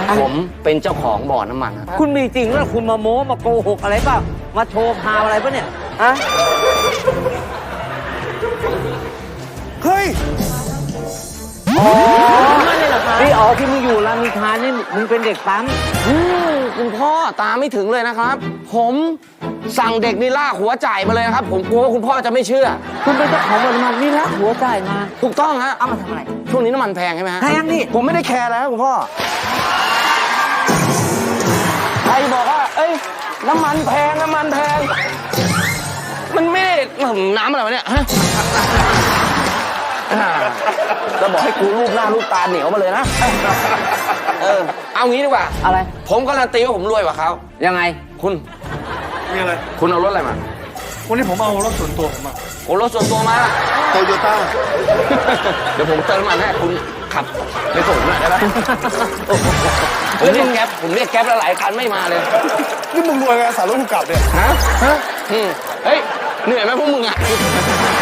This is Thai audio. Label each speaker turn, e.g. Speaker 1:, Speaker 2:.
Speaker 1: ผมเป็นเจ้าของบ่อน้ำมันนะ
Speaker 2: คุณมีจริงแล้วคุณมาโม้มาโกหกอะไรเปล่ามาโชว์พาวอะไรปะเนี่ยฮะ
Speaker 3: เฮ้ย
Speaker 2: ไม่เลยเหรอคะนี่อ๋อที่มึงอยู่รามอินทรานี่มึงเป็นเด็กปั๊ม
Speaker 1: คุณพ่อตาไม่ถึงเลยนะครับ ผมสั่งเด็กนี่ลากหัวจ่ายมาเลยนะครับ ผมกลัวว่าคุณพ่อจะไม่เชื่อ
Speaker 2: คุณเป็นเจ้าของบ่อน้ำมันนี่ละหัวจ่ายมา
Speaker 1: ถูกต้องฮะ
Speaker 2: เอามาทำอะไร
Speaker 1: ช่วงนี้น้ำมันแพงใช่ไหมฮะ
Speaker 2: แพงนี่
Speaker 3: ผมไม่ได้แคร์แล้วคุณพ่อ
Speaker 1: ใครบอกว่า เอ้ยน้ำมันแพงน้ำมันแพง มันไม่ได้น้ำอะไรวะเนี่ยฮะจะบอกให้กูรูปหน้ารูปตาเหนียวมาเลยนะเอางี้ดีกว่า
Speaker 2: อะไร
Speaker 1: ผมการันตีว่าผมรวยกว่าเขา
Speaker 2: ยังไง
Speaker 1: คุณ
Speaker 3: มีอะไร
Speaker 1: คุณเอารถอะไรมา
Speaker 3: วันนี้ผมเอารถส่วนตัวผมมา
Speaker 1: โอ้รถส่วนตัวมา
Speaker 3: โตโยต้า
Speaker 1: เดี๋ยวผมเติมน้ำมันให้คุณขับไปส่งหน่อยได้ไหมผมเรียกแก๊ปแล้วหลายคันไม่มาเลย
Speaker 3: นี่มึงรวยไงสารรถกูกลับเนี่ย
Speaker 1: ฮะเฮ้ยเหนื่อยไหมพวกมึงอ่ะ